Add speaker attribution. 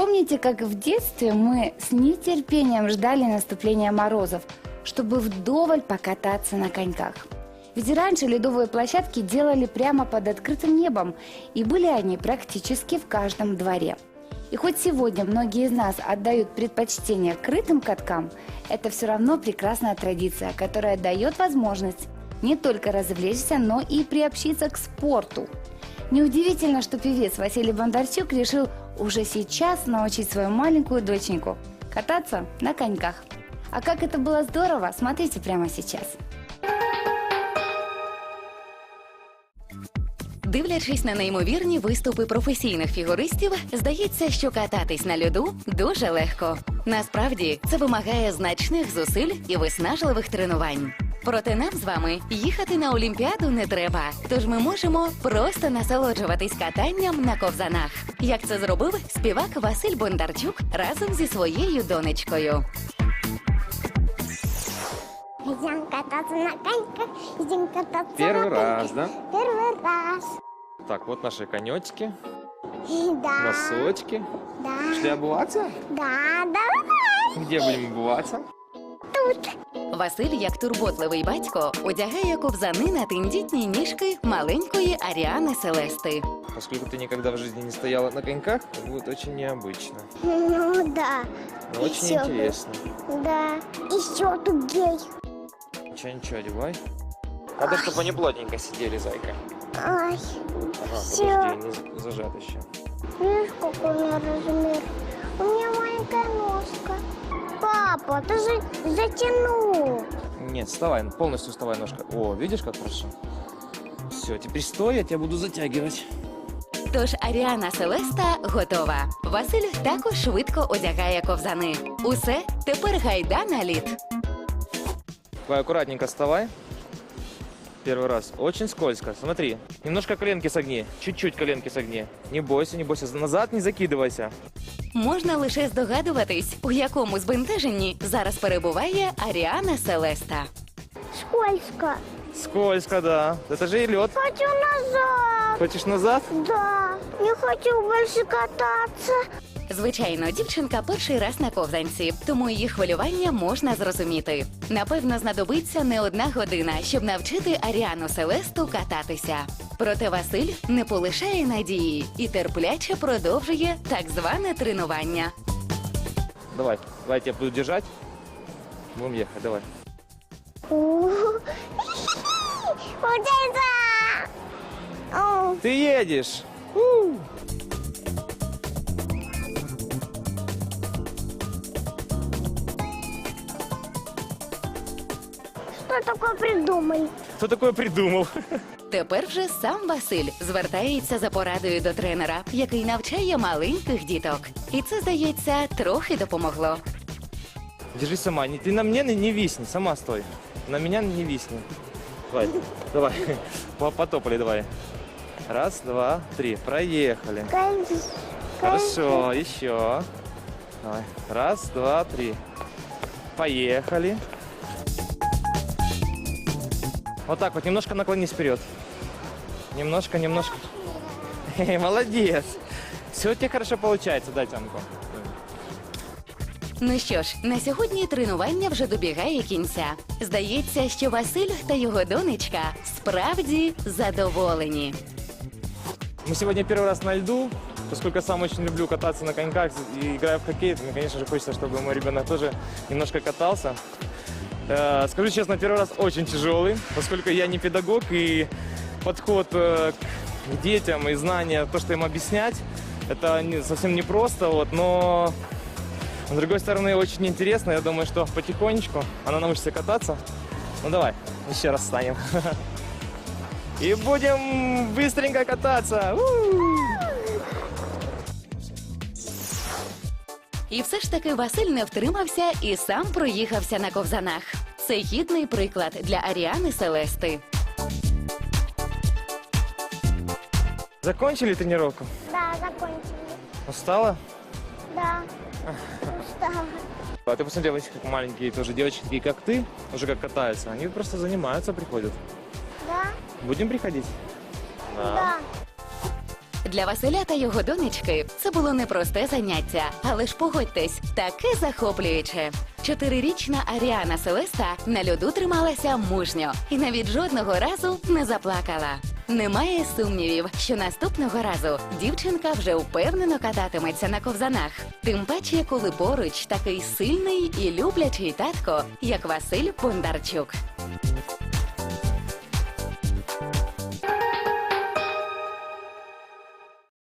Speaker 1: Помните, как в детстве мы с нетерпением ждали наступления морозов, чтобы вдоволь покататься на коньках? Ведь раньше ледовые площадки делали прямо под открытым небом, и были они практически в каждом дворе. И хоть сегодня многие из нас отдают предпочтение крытым каткам, это все равно прекрасная традиция, которая дает возможность не только развлечься, но и приобщиться к спорту. Неудивительно, что певец Василий Бондарчук решил уже сейчас научить свою маленькую доченьку кататься на коньках. А как это было здорово, смотрите прямо сейчас.
Speaker 2: Дивлячись на неймовірні виступи професійних фігуристів, здається, що кататись на льоду дуже легко. Насправді, це вимагає значних зусиль і виснажливих тренувань. Проте нам з вами їхати на Олімпіаду не треба, тож ми можемо просто насолоджуватись катанням на ковзанах. Як це зробив співак Василь Бондарчук разом зі своєю донечкою.
Speaker 3: Идем кататься на коньках, идем кататься
Speaker 4: Первый
Speaker 3: на
Speaker 4: раз,
Speaker 3: коньках.
Speaker 4: да?
Speaker 3: Первый раз.
Speaker 4: Так, вот наши конечки,
Speaker 3: Да.
Speaker 4: носочки.
Speaker 3: Да.
Speaker 4: Шли обуваться?
Speaker 3: Да, давай.
Speaker 4: Где будем обуваться?
Speaker 3: Тут.
Speaker 2: Василь, як турботливий батько, одягає ковзани на тендітні ніжки маленької Аріани Селести.
Speaker 4: Поскольку ты никогда в жизни не стояла на коньках, это будет очень необычно,
Speaker 3: Ну да.
Speaker 4: но очень
Speaker 3: Ещё бы.
Speaker 4: интересно.
Speaker 3: Да. Еще тут гей.
Speaker 4: Ничего, одевай. Надо, чтобы они плотненько сидели, зайка.
Speaker 3: Ай.
Speaker 4: Ага,
Speaker 3: Всё.
Speaker 4: подожди, не зажат еще.
Speaker 3: Видишь, какой у меня размер? У меня маленькая ножка. Папа, ты же затянул.
Speaker 4: Нет, вставай, полностью вставай ножка. О, видишь, как хорошо? Все, теперь стой, я тебя буду затягивать.
Speaker 2: Тож Аріана Селеста готова. Василь також швидко одягає ковзани. Усе, тепер гайда на лід.
Speaker 4: Давай, аккуратненько вставай. Первый раз. Очень скользко. Смотри, немножко коленки согни. Чуть-чуть коленки согни. Не бойся, не бойся. Назад не закидывайся.
Speaker 2: Можна лише здогадуватись, у якому збентеженні зараз перебуває Аріана Селеста.
Speaker 3: Скользко.
Speaker 4: Скользко, да. Это же и лед.
Speaker 3: Хочу назад.
Speaker 4: Хочешь назад?
Speaker 3: Да. Не хочу больше кататься.
Speaker 2: Звичайно, дівчинка перший раз на ковзанці, тому її хвилювання можна зрозуміти. Напевно, знадобиться не одна година, щоб навчити Аріану Селесту кататися. Проте Василь не полишає надії і терпляче продовжує так зване тренування.
Speaker 4: Давай, давай, я тебя буду держать. Будем ехать, давай.
Speaker 3: Получается. О,
Speaker 4: Ты едешь.
Speaker 3: Что такое придумали?
Speaker 4: Кто такое придумал?
Speaker 2: Тепер вже сам Василь звертається за порадою до тренера, який навчає маленьких діток. І це, здається, трохи допомогло.
Speaker 4: Держись сама. Ты на мне не висни, сама стой. На меня не висни. Давай, давай. Потопали, давай. Раз, два, три. Проехали. Хорошо, еще. Давай. Раз, два, три. Поехали. Вот так вот, немножко наклонись вперед. Немножко, немножко. Молодец. Все у тебя хорошо получается, дай тянку.
Speaker 2: Ну що ж, на сьогодні тренування вже добігає кінця. Здається, що Василь та його донечка справді задоволені.
Speaker 4: Мы сегодня первый раз на льду. Поскольку я сам очень люблю кататься на коньках и играю в хоккей, то мне, конечно же, хочется, чтобы мой ребенок тоже немножко катался. Скажу честно, первый раз очень тяжелый, поскольку я не педагог, и подход к детям и знания, то, что им объяснять, это совсем непросто, вот, но с другой стороны очень интересно. Я думаю, что потихонечку она научится кататься. Ну давай, еще раз встанем. И будем быстренько кататься.
Speaker 2: І все ж таки Василь не втримався і сам проїхався на ковзанах. Це гідний приклад для Аріани Селести.
Speaker 4: Закончили тренировку?
Speaker 3: Да, закончили.
Speaker 4: Устала?
Speaker 3: Да. Устала.
Speaker 4: А ты посмотрел, как маленькие тоже девочки, такие как ты, уже как катаются. Они просто занимаются, приходят.
Speaker 3: Да?
Speaker 4: Будем приходить?
Speaker 3: Да.
Speaker 2: Для Василя та його донечки це було непросте заняття, але ж погодьтесь, таке захоплююче. 4-річна Аріана Селеста на льоду трималася мужньо і навіть жодного разу не заплакала. Немає сумнівів, що наступного разу дівчинка вже впевнено кататиметься на ковзанах. Тим паче, коли поруч такий сильний і люблячий татко, як Василь Бондарчук.